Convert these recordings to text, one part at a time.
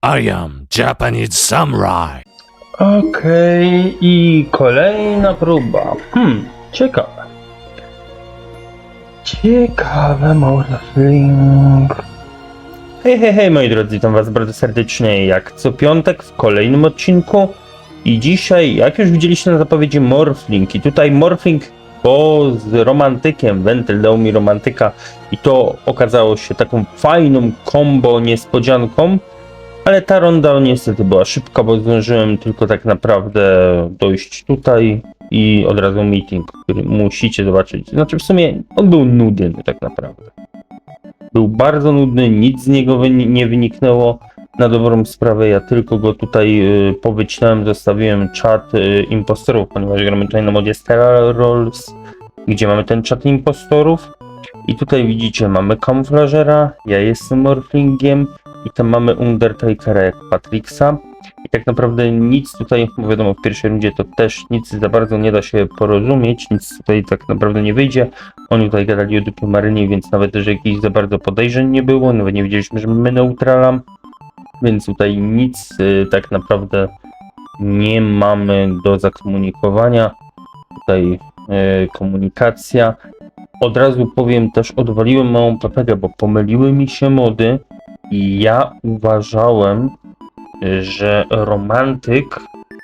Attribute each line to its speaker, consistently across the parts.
Speaker 1: I am Japanese Samurai.
Speaker 2: Okej, i kolejna próba. Ciekawe. Ciekawe, Morphling. Hej, moi drodzy, witam was bardzo serdecznie, jak co piątek w kolejnym odcinku. I dzisiaj, jak już widzieliście na zapowiedzi, Morphling. I tutaj Morphling, bo z romantykiem, Wentyl dał mi romantyka i to okazało się taką fajną kombo niespodzianką. Ale ta ronda niestety była szybka, bo zdążyłem tylko tak naprawdę dojść tutaj i od razu meeting, który musicie zobaczyć. Znaczy w sumie on był nudny tak naprawdę. Był bardzo nudny, nic z niego nie wyniknęło na dobrą sprawę. Ja tylko go tutaj powycinałem, zostawiłem czat impostorów, ponieważ gramy tutaj na modzie Stellar Rolls, gdzie mamy ten czat impostorów. I tutaj widzicie, mamy kamuflażera, ja jestem Morphlingiem. I tam mamy Undertakera jak Patrixa. I tak naprawdę nic tutaj, bo wiadomo, w pierwszej rundzie to też nic za bardzo nie da się porozumieć, nic tutaj tak naprawdę nie wyjdzie. Oni tutaj gadali o dupie Marynie, więc nawet też jakichś za bardzo podejrzeń nie było, nawet nie wiedzieliśmy, że mamy neutrala. Więc tutaj nic tak naprawdę nie mamy do zakomunikowania. Tutaj komunikacja. Od razu powiem też, odwaliłem małą papegę, bo pomyliły mi się mody. I ja uważałem, że romantyk,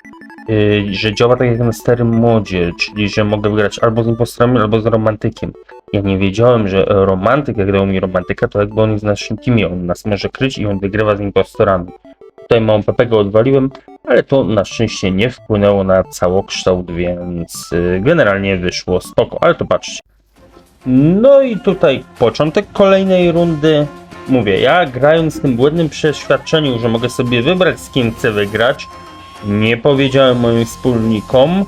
Speaker 2: że działa tak jak na starym modzie, czyli że mogę wygrać albo z impostorami, albo z romantykiem. Ja nie wiedziałem, że romantyk, jak dał mi romantyka, to jakby on jest w naszym teamie, on nas może kryć i on wygrywa z impostorami. Tutaj małą pepegę odwaliłem, ale to na szczęście nie wpłynęło na całokształt, więc generalnie wyszło spoko, ale to patrzcie. No i tutaj początek kolejnej rundy. Mówię, ja grając w tym błędnym przeświadczeniu, że mogę sobie wybrać, z kim chcę wygrać, nie powiedziałem moim wspólnikom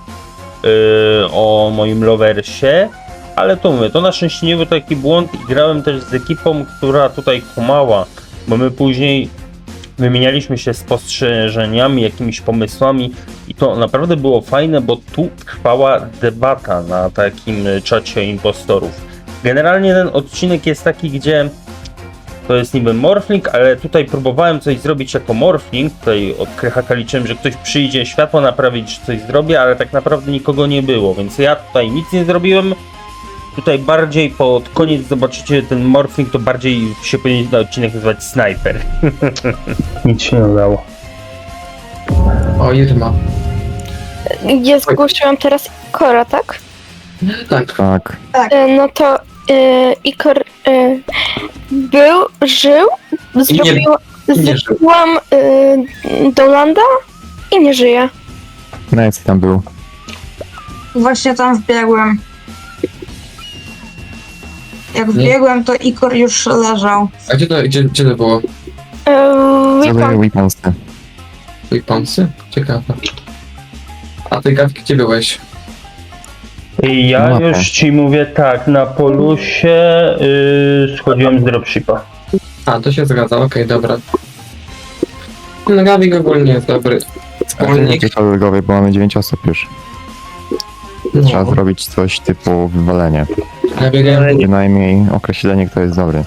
Speaker 2: o moim loversie, ale to mówię, to na szczęście nie był taki błąd i grałem też z ekipą, która tutaj kumała, bo my później wymienialiśmy się spostrzeżeniami, jakimiś pomysłami i to naprawdę było fajne, bo tu trwała debata na takim czacie impostorów. Generalnie ten odcinek jest taki, gdzie to jest niby Morphling, ale tutaj próbowałem coś zrobić jako Morphling. Tutaj od Krychaka liczyłem, że ktoś przyjdzie światło naprawić, że coś zrobię, ale tak naprawdę nikogo nie było, więc ja tutaj nic nie zrobiłem. Tutaj bardziej pod koniec zobaczycie ten Morphling, to bardziej się powinien na odcinek nazywać Sniper. Nic się nie udało.
Speaker 3: O, Irma.
Speaker 4: Ja zgłosiłam teraz Ikora, tak?
Speaker 3: Tak.
Speaker 4: No to Ikor żył,
Speaker 3: nie żył.
Speaker 4: zrobiłam do landa i nie żyje.
Speaker 5: No jak tam był?
Speaker 6: Właśnie tam wbiegłem. Jak wbiegłem, to Ikor już leżał.
Speaker 3: A gdzie to było?
Speaker 5: Zadaję weaponsy.
Speaker 3: Weaponsy? Ciekawe. A ty, Gawki, gdzie byłeś?
Speaker 2: Ja
Speaker 5: Mapa.
Speaker 2: już ci mówię tak, na polusie schodziłem z dropshipa.
Speaker 3: A, to się zgadza, okej, dobra. No, Gawik ogólnie jest dobry.
Speaker 5: Ale to nie jest legowy, bo mamy 9 osób już. Trzeba
Speaker 3: No,
Speaker 5: zrobić coś typu wywalenie.
Speaker 3: ja biegałem.
Speaker 5: Przynajmniej określenie, kto jest dobry.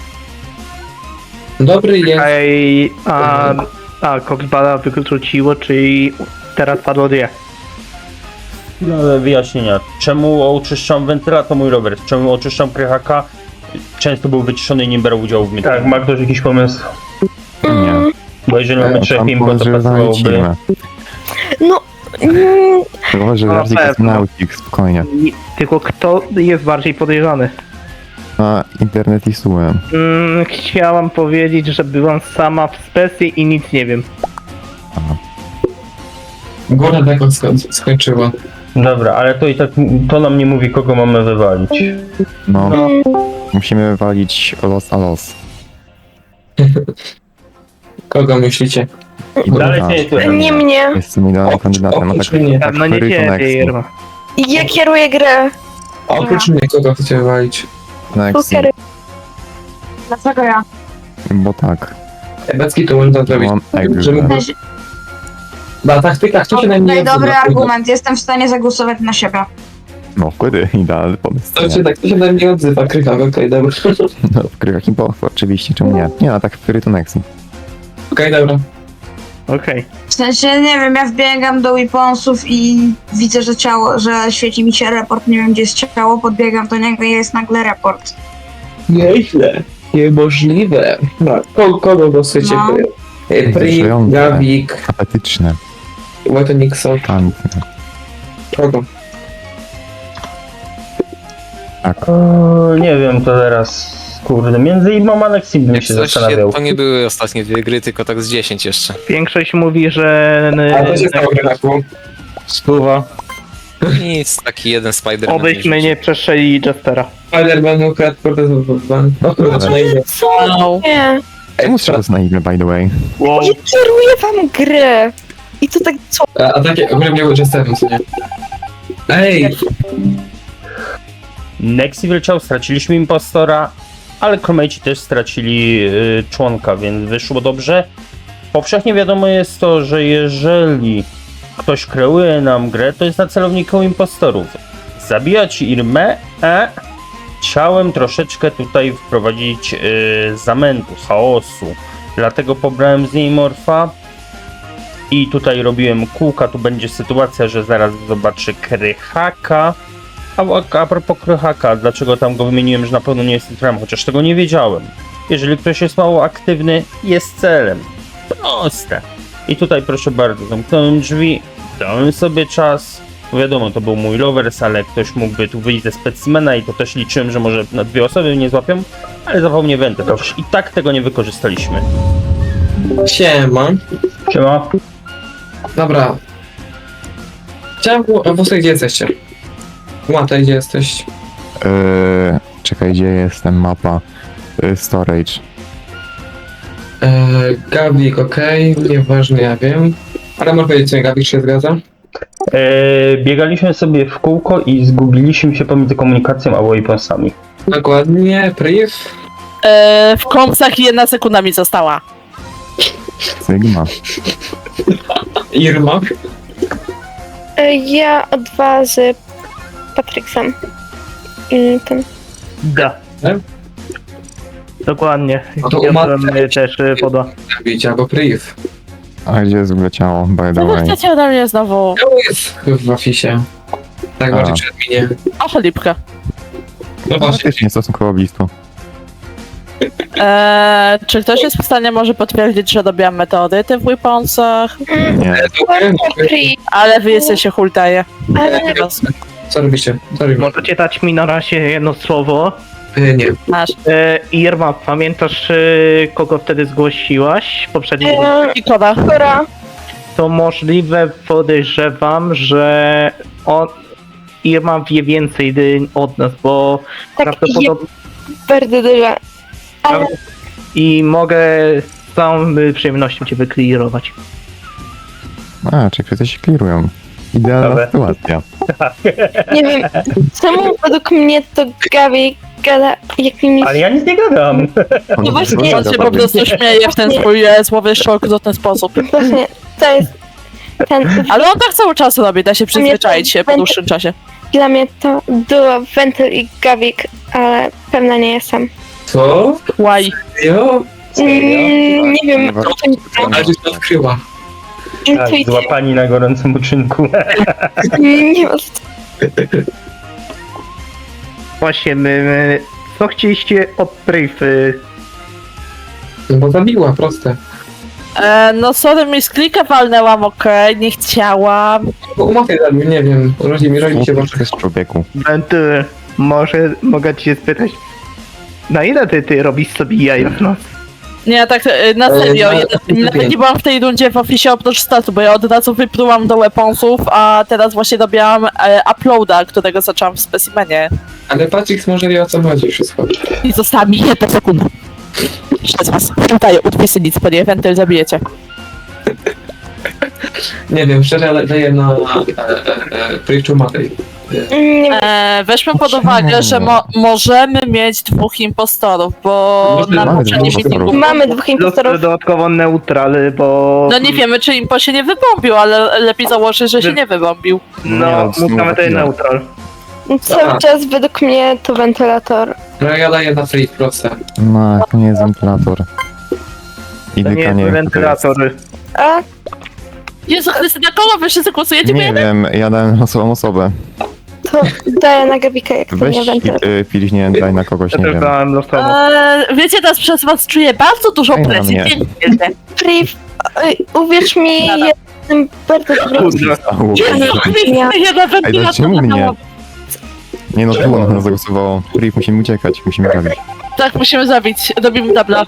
Speaker 3: Dobry jest.
Speaker 7: Ej, a Coxbala wykluczyło, czyli teraz padło dwie.
Speaker 2: Wyjaśnienia. Czemu oczyszczam wentyla, to mój Robert. Czemu oczyszczam Krychaka? Często był wyciszony i nie brał udziału w meetingu. Tak, ma ktoś jakiś pomysł?
Speaker 5: Nie.
Speaker 2: Bo jeżeli mamy trzech impo, to pasowałoby...
Speaker 4: No,
Speaker 5: Chyba, że
Speaker 7: No,
Speaker 5: Larzik jest
Speaker 7: pewno.
Speaker 5: nautik, spokojnie.
Speaker 7: Tylko kto jest bardziej podejrzany?
Speaker 5: Na internet i słułem.
Speaker 7: Chciałam powiedzieć, że byłam sama w specji i nic nie wiem.
Speaker 3: Góra tak skończyła.
Speaker 2: Dobra, ale to i tak to nam nie mówi, kogo mamy wywalić.
Speaker 5: No. Musimy wywalić los a los.
Speaker 3: Kogo myślicie?
Speaker 5: I
Speaker 2: Dalej
Speaker 5: druga
Speaker 2: się nie słyszę.
Speaker 4: nie mnie.
Speaker 5: Jestem idealnym kandydatem.
Speaker 3: oprócz mnie.
Speaker 5: Tak
Speaker 7: No nie
Speaker 5: Fury to
Speaker 7: ciebie,
Speaker 5: Nexi.
Speaker 7: Irma.
Speaker 4: Ja kieruję grę.
Speaker 3: Oprócz mnie, kogo chcecie wywalić?
Speaker 5: Nexi,
Speaker 4: Pokery.
Speaker 6: Dlaczego ja?
Speaker 5: bo tak.
Speaker 3: Becki to można zrobić.
Speaker 5: Mam
Speaker 3: Żeby...
Speaker 5: egzę.
Speaker 3: Na taktykach to się na mnie
Speaker 6: Okej, dobry
Speaker 3: odzywa.
Speaker 6: argument. Jestem w stanie zagłosować na siebie.
Speaker 5: No wtedy idealny pomysł.
Speaker 3: To się na mnie odzywa, Krychak, okej, dobra.
Speaker 5: No w grach impo, oczywiście, czemu nie? Nie, no tak Fury to Nexi.
Speaker 3: Okej, dobra.
Speaker 7: Okej.
Speaker 6: W sensie, nie wiem, ja wbiegam do weaponsów i widzę, że ciało, że świeci mi się report, nie wiem gdzie jest ciało, podbiegam do niego i jest nagle report.
Speaker 3: Nieźle. Niemożliwe. No, kogo głosujecie?
Speaker 6: No.
Speaker 3: Pri,
Speaker 5: Interesujące.
Speaker 3: Gawik,
Speaker 5: Apetyczne.
Speaker 3: Wojto Nixon.
Speaker 5: Tantne.
Speaker 3: Kogo?
Speaker 5: Tak.
Speaker 2: Nie wiem, to teraz, kurde, między Imą a Nexim bym
Speaker 8: Jak
Speaker 2: się
Speaker 8: coś,
Speaker 2: zastanawiał.
Speaker 8: to nie były ostatnie 2 gry, tylko tak z 10 jeszcze.
Speaker 7: Większość mówi, że...
Speaker 3: A to się stało, Grenaku.
Speaker 2: Spływa.
Speaker 8: Nic, taki jeden Spider-Man.
Speaker 7: Obyśmy nie przeszli Jestera.
Speaker 3: Spider-Man ukradł Cortez-Van. O kurde, co na imię.
Speaker 4: Co? Nie.
Speaker 5: Czemu strzelasz na igle, by the way?
Speaker 7: Wow.
Speaker 4: Ja kieruję wam grę. I to tak co?
Speaker 3: A takie ogólnie miał Jesterem, co nie? Ej!
Speaker 2: Nexi wyleciał, straciliśmy impostora, ale crewmate'i też stracili członka, więc wyszło dobrze. Powszechnie wiadomo jest to, że jeżeli ktoś kreuje nam grę, to jest na celowniku impostorów. Zabijać Irmę, a chciałem troszeczkę tutaj wprowadzić zamętu, chaosu. Dlatego pobrałem z niej morfa i tutaj robiłem kółka. Tu będzie sytuacja, że zaraz zobaczy Krychaka. A propos Krychaka, dlaczego tam go wymieniłem, że na pewno nie jest litrem, chociaż tego nie wiedziałem. Jeżeli ktoś jest mało aktywny, jest celem. Proste. I tutaj proszę bardzo, zamknąłem drzwi, dałem sobie czas. Wiadomo, to był mój lovers, ale ktoś mógłby tu wyjść ze specimena i to też liczyłem, że może na 2 osoby nie złapią, ale zawał mnie wentę, to już i tak tego nie wykorzystaliśmy.
Speaker 3: Siema.
Speaker 2: Siema.
Speaker 3: Dobra. Chciałem... Włosy, gdzie jesteście? Łata, gdzie jesteś?
Speaker 5: Czekaj, gdzie jestem? Mapa. Storage.
Speaker 3: Gawik, okej, nieważne, ja wiem. Ale może powiedzieć, co Gawik się zgadza?
Speaker 2: Biegaliśmy sobie w kółko i zgubiliśmy się pomiędzy komunikacją a weaponsami.
Speaker 3: Dokładnie, Priv.
Speaker 9: W kompsach 1 sekunda mi została.
Speaker 5: Sigma.
Speaker 3: Irma.
Speaker 4: Ja O2 z Patryksem. Ten.
Speaker 7: Da.
Speaker 3: Nie?
Speaker 7: Dokładnie.
Speaker 3: No to
Speaker 7: Ja
Speaker 3: umarł.
Speaker 7: byłem też poda.
Speaker 3: Gawik albo Priv.
Speaker 5: A gdzie jest w ogóle ciało, by the
Speaker 9: Co wy
Speaker 5: way?
Speaker 9: chcecie ode mnie znowu?
Speaker 3: Ciało jest w afisie. Tak,
Speaker 5: A.
Speaker 3: bardziej przed minie.
Speaker 9: Oho, lipkę.
Speaker 3: No właśnie.
Speaker 5: Faktycznie, stosunkowo blisko.
Speaker 9: Czy ktoś jest w stanie może potwierdzić, że dobiłam meteoryty w weaponsach?
Speaker 5: Nie.
Speaker 9: Ale wy jesteście hultaje.
Speaker 4: Ale
Speaker 3: Co robicie? Co robicie?
Speaker 7: Możecie dać mi na razie jedno słowo.
Speaker 3: Nie.
Speaker 9: Masz.
Speaker 7: Irma, pamiętasz kogo wtedy zgłosiłaś? Poprzedni
Speaker 9: I koda.
Speaker 4: Kora.
Speaker 7: To możliwe, podejrzewam, że Irma wie więcej od nas, bo
Speaker 4: Tak,
Speaker 7: prawdopodobnie...
Speaker 4: bardzo dużo. Ale
Speaker 7: I mogę z całą przyjemnością cię wyklirować.
Speaker 5: A, czyli wszyscy się clearują. Idealna
Speaker 2: Dobra.
Speaker 5: sytuacja.
Speaker 4: nie wiem, czemu według mnie to Gabi gada jakimiś...
Speaker 2: Ale ja nic nie gadam.
Speaker 9: No właśnie, on się po
Speaker 5: Dobra.
Speaker 9: prostu śmieje w ten swój słowy szok w ten sposób.
Speaker 4: Właśnie, to jest ten...
Speaker 9: Ale on tak cały czas robi, da się przyzwyczaić się po dłuższym czasie.
Speaker 4: Dla mnie to duo Ventyl i Gawik, ale pewna nie jestem.
Speaker 3: Co?
Speaker 9: Why?
Speaker 3: Jo?
Speaker 4: Nie wiem,
Speaker 5: Dobra.
Speaker 3: Ale się to odkryła.
Speaker 2: Tak,
Speaker 4: intuicja.
Speaker 2: złapani na gorącym uczynku.
Speaker 4: Nie wiem,
Speaker 7: Właśnie, co chcieliście od Priv?
Speaker 3: No bo zabiła, proste.
Speaker 9: No sorry, mi z klika walnęłam, okej, nie chciałam.
Speaker 3: Bo umawiaj zabił, nie wiem. Rodzi mi się wasze.
Speaker 5: Jest człowieku.
Speaker 7: Wenty, może mogę cię spytać, na ile ty robisz sobie jaja w noc?
Speaker 9: Nie, tak na serio,
Speaker 3: no,
Speaker 9: nawet nie byłam w tej rundzie w oficie oprócz statu, bo ja od razu wyplułam do weaponsów, a teraz właśnie dobiłam uploada, którego zaczęłam w specimenie.
Speaker 3: Ale Patrix może wie o co chodzi wszystko.
Speaker 9: I została mi 1 sekunda. Jeszcze z was. Pamiętaję, utwisy nic, po nie, wentyl zabijecie.
Speaker 3: Nie wiem, szczerze, ale daję na Priv Matej.
Speaker 4: nie wiem.
Speaker 9: Weźmy pod uwagę, że możemy mieć 2 impostorów, bo
Speaker 3: Może
Speaker 9: na
Speaker 5: mamy
Speaker 9: poprzednim
Speaker 5: 2
Speaker 9: meetingu...
Speaker 4: Mamy 2 impostorów.
Speaker 7: Dodatkowo neutral, bo...
Speaker 9: No nie wiemy, czy impo się nie wybombił, ale lepiej założyć, że się nie wybombił.
Speaker 7: No, mówmy to neutral.
Speaker 4: Cały czas według mnie to wentylator.
Speaker 3: No ja daję na Priv, proste.
Speaker 5: No, to nie jest wentylator.
Speaker 7: To nie
Speaker 5: Indyka
Speaker 7: jest wentylator.
Speaker 4: A,
Speaker 9: Jezu Chryste, na kogo wy wszyscy głosujecie? Bo
Speaker 5: Nie
Speaker 9: ja
Speaker 5: wiem, ja dałem losową osobę.
Speaker 4: to daję na Gabika, jak to
Speaker 5: Weź
Speaker 4: nie wentylator.
Speaker 5: pilźnie daj na kogoś,
Speaker 7: Ja
Speaker 5: nie
Speaker 7: też
Speaker 5: wiem.
Speaker 7: dałem losową.
Speaker 9: Wiecie, teraz przez was czuję bardzo dużą
Speaker 5: Ej, na
Speaker 9: presję.
Speaker 5: mnie.
Speaker 9: Wiecie.
Speaker 4: Priv, uwierz mi,
Speaker 9: Nada.
Speaker 4: ja jestem bardzo dobrym
Speaker 7: Kurde.
Speaker 5: Au.
Speaker 9: Ja na
Speaker 5: Ej,
Speaker 9: wentylator
Speaker 5: dlaczego mnie?
Speaker 9: dałam.
Speaker 5: Nie no, tu na nas zagłosowało. Priv, musimy uciekać, musimy zabić.
Speaker 9: Tak, musimy zabić. Dobimy dubla.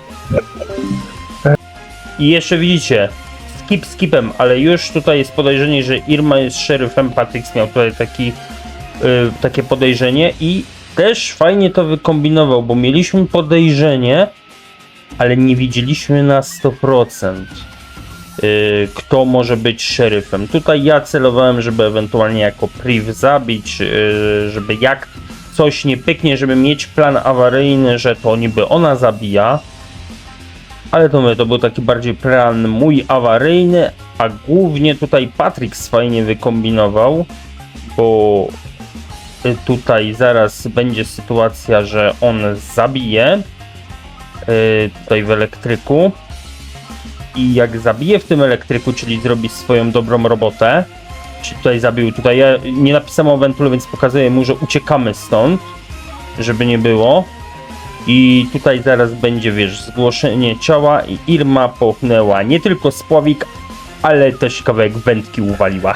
Speaker 2: I jeszcze widzicie, skipem, ale już tutaj jest podejrzenie, że Irma jest szeryfem. Patrix miał tutaj takie podejrzenie i też fajnie to wykombinował, bo mieliśmy podejrzenie, ale nie widzieliśmy na 100%, kto może być szeryfem. Tutaj ja celowałem, żeby ewentualnie jako priv zabić, żeby jak coś nie pyknie, żeby mieć plan awaryjny, że to niby ona zabija. Ale to był taki bardziej plan mój awaryjny, a głównie tutaj Patrix fajnie wykombinował, bo tutaj zaraz będzie sytuacja, że on zabije tutaj w elektryku i jak zabije w tym elektryku, czyli zrobi swoją dobrą robotę, czyli tutaj zabił, tutaj ja nie napisałem o wentulu, więc pokazuję mu, że uciekamy stąd, żeby nie było. I tutaj zaraz będzie, wiesz, zgłoszenie ciała i Irma połknęła nie tylko spławik, ale też kawałek wędki uwaliła.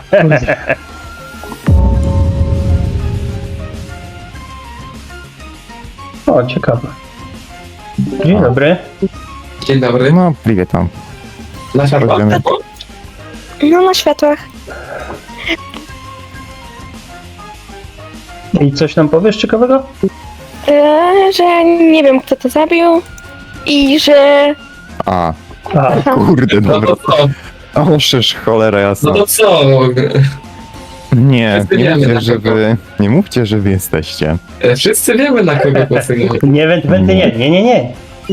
Speaker 2: O, ciekawe. Dzień dobry.
Speaker 3: Dzień dobry.
Speaker 5: No, Privie tam.
Speaker 3: Na światła.
Speaker 5: Chodźmy.
Speaker 4: No na światłach.
Speaker 2: I coś nam powiesz ciekawego?
Speaker 4: Że nie wiem, kto to zabił i że...
Speaker 5: A,
Speaker 2: A,
Speaker 5: kurde,
Speaker 3: No
Speaker 5: dobra.
Speaker 3: to co?
Speaker 5: O, szysz, cholera jasna.
Speaker 3: No to co?
Speaker 5: Nie,
Speaker 3: Wszyscy
Speaker 5: nie
Speaker 3: wiemy,
Speaker 5: mówcie,
Speaker 3: na
Speaker 5: że
Speaker 3: kogo.
Speaker 5: wy... Nie mówcie, że wy jesteście.
Speaker 3: Wszyscy wiemy, na kogo głosujemy.
Speaker 2: nie, wędy, nie.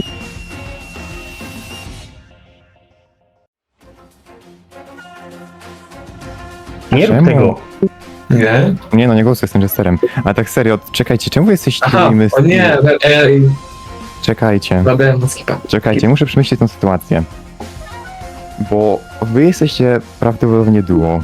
Speaker 2: Nie rób
Speaker 5: Czemu?
Speaker 2: tego.
Speaker 3: Nie?
Speaker 5: Nie no, nie głosuję z tym Jesterem. A tak serio, czekajcie, czemu wy jesteście
Speaker 3: Aha,
Speaker 5: tymi
Speaker 3: o nie,
Speaker 5: Czekajcie,
Speaker 3: zadałem na skipa.
Speaker 5: czekajcie, muszę przemyśleć tę sytuację. Bo wy jesteście prawdopodobnie duo.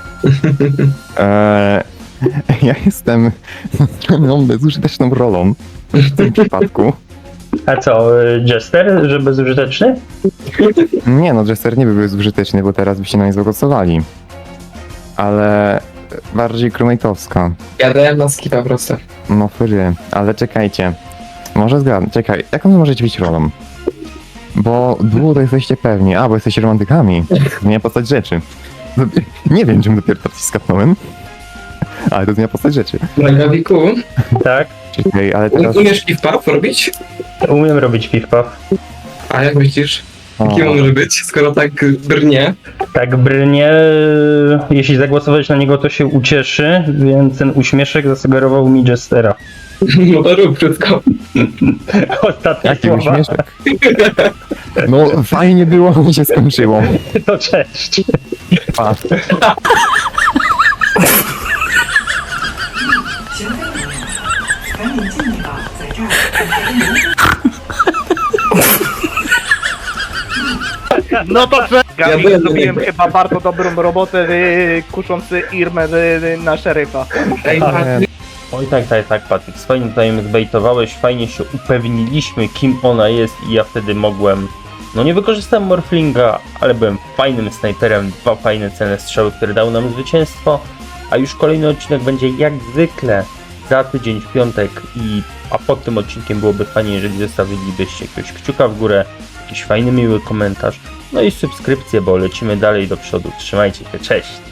Speaker 5: Ja jestem bezużyteczną rolą w tym przypadku.
Speaker 2: A co, Jester, że bezużyteczny?
Speaker 5: Nie no, Jester nie byłby bezużyteczny, bo teraz byście na nie zagłosowali. Ale bardziej crewmate'owska.
Speaker 3: Ja dałem na skipa prosto.
Speaker 5: No fry, ale czekajcie. Może zgadzam. Czekaj, jaką wy możecie być rolą? Bo duo to jesteście pewni. A, bo jesteście romantykami. Zmienia postać rzeczy. Nie wiem, czym dopiero teraz skapnąłem. Ale to zmienia postać rzeczy.
Speaker 3: Na Gawiku,
Speaker 2: Tak,
Speaker 5: Czekaj, ale teraz...
Speaker 3: umiesz piw-pap robić?
Speaker 2: umiem robić piw-paw.
Speaker 3: A jak myślisz,
Speaker 5: O,
Speaker 3: kim on może być, skoro tak brnie?
Speaker 2: Tak brnie, jeśli zagłosować na niego, to się ucieszy, więc ten uśmieszek zasugerował mi Jestera.
Speaker 3: No to rób wszystko.
Speaker 2: Ostatnie
Speaker 5: jaki
Speaker 2: słowa,
Speaker 5: uśmieszek. No, fajnie było, mi się skończyło.
Speaker 2: to cześć.
Speaker 5: Pa.
Speaker 7: No to co? Gabi,
Speaker 3: byłem
Speaker 7: zrobiłem
Speaker 3: dobry.
Speaker 7: chyba bardzo dobrą robotę, kuszący Irmę na szeryfa.
Speaker 3: Ej,
Speaker 2: Oj tak, Patryk, fajnie tutaj mnie zbejtowałeś, fajnie się upewniliśmy, kim ona jest i ja wtedy mogłem... No nie wykorzystałem Morflinga, ale byłem fajnym snajperem, 2 fajne cenne strzały, które dały nam zwycięstwo, a już kolejny odcinek będzie jak zwykle za tydzień w piątek a pod tym odcinkiem byłoby fajnie, jeżeli zostawilibyście jakiegoś kciuka w górę, jakiś fajny, miły komentarz, no i subskrypcję, bo lecimy dalej do przodu. Trzymajcie się, cześć!